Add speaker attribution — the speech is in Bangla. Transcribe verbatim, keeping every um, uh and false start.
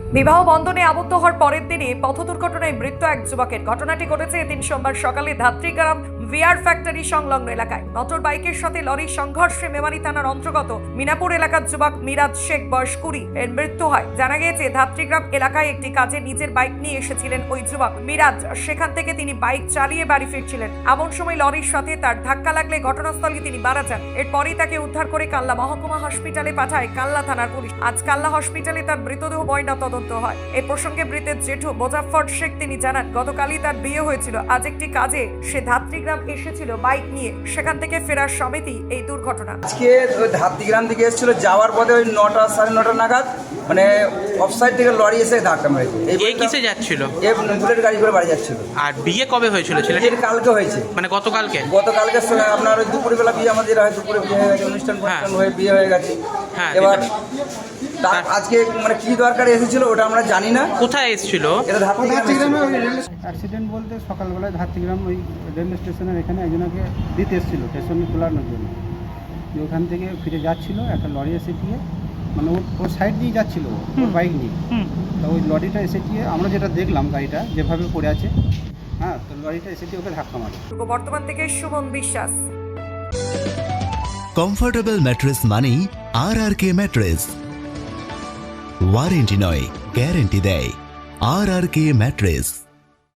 Speaker 1: বিবাহ বন্ধনে আবদ্ধ হওয়ার পরের দিনে পথ দুর্ঘটনায় মৃত্যু এক যুবকের। ঘটনাটি ঘটেছে এদিন সোমবার সকালে ধাত্রীগ্রাম ভিআর ফ্যাক্টরি সংলগ্ন এলাকায়। মোটর বাইকের সাথে লরির সংঘর্ষে মেমারি থানার অন্তর্গত মিনাপুর এলাকার যুবক মিরাজ শেখ বয়স কুড়ি এর মৃত্যু হয়। জানা গিয়েছে ধাত্রীগ্রাম এলাকায় একটি কাজে নিজের বাইক নিয়ে এসেছিলেন ওই যুবক মিরাজ। সেখান থেকে তিনি বাইক চালিয়ে বাড়ি ফিরছিলেন, এমন সময় লরির সাথে তার ধাক্কা লাগলে ঘটনাস্থলে তিনি মারা যান। এরপরই তাকে উদ্ধার করে কাল্লা মহকুমা হসপিটালে পাঠায় কাল্লা থানার পুলিশ। আজ কাল্লা হসপিটালে তার মৃতদেহ ময়না তদন্ত হয়। এই প্রসঙ্গে মৃতের জেঠু মোজাফফর শেখ তিনি জানান, গতকালই তার বিয়ে হয়েছিল। আজ একটি কাজে সে ধাত্রীগ্রাম এসেছিল বাইক নিয়ে, সেখান থেকে ফেরার সময়ই এই দুর্ঘটনা।
Speaker 2: আজকে ওই ধাত্রীগ্রাম থেকে এসেছিল, যাওয়ার পথে ওই নটা সাড়ে নটা নাগাদ মানে অফসাইড থেকে লরি এসে ধাক্কা মেরেছে।
Speaker 3: এই কিসে যাচ্ছিল?
Speaker 2: এই বুলেট গাড়ি করে বাড়ি যাচ্ছিল।
Speaker 3: আর বিয়ে কবে হয়েছিল ছেলেটির?
Speaker 2: বিয়ে কালকে হয়েছে,
Speaker 3: মানে গতকালকে?
Speaker 2: গতকালকে আপনার ওই দুপুরবেলা বিয়ে, আমাদের হয় দুপুরে বিয়ে হয়ে গেছে, অনুষ্ঠান অনুষ্ঠান হয়ে বিয়ে হয়ে গেছে।
Speaker 3: হ্যাঁ,
Speaker 2: এবার তার আজকে মানে কি দরকারে এসেছিল ওটা আমরা জানি না।
Speaker 3: কোথায় এসেছিল?
Speaker 2: এটা ধাত্রীগ্রামে
Speaker 4: অ্যাক্সিডেন্ট বলতে সকালবেলায় ধাত্রীগ্রাম ওই রেল স্টেশনের এখানে একজনকে দিতে এসেছিলো স্টেশনে তোলানোর জন্য। যে ওখান থেকে ফিরে যাচ্ছিল, একটা লরি এসে দিয়ে মানে ওর ওর সাইড দিয়ে যাচ্ছিল ওর বাইক নিয়ে। তো ওই লরিটা এসে দিয়ে আমরা যেটা দেখলাম গাড়িটা যেভাবে পড়ে আছে, হ্যাঁ, তো লরিটা এসে দিয়ে ওকে ধাক্কা মারে।
Speaker 1: বর্তমান থেকে সুমন বিশ্বাস।
Speaker 5: কমফোর্টেবল ম্যাট্রেস মানেই R R K mattress. Warranty নয়, গ্যারেন্টি দেয় আর আর কে ম্যাট্রেস।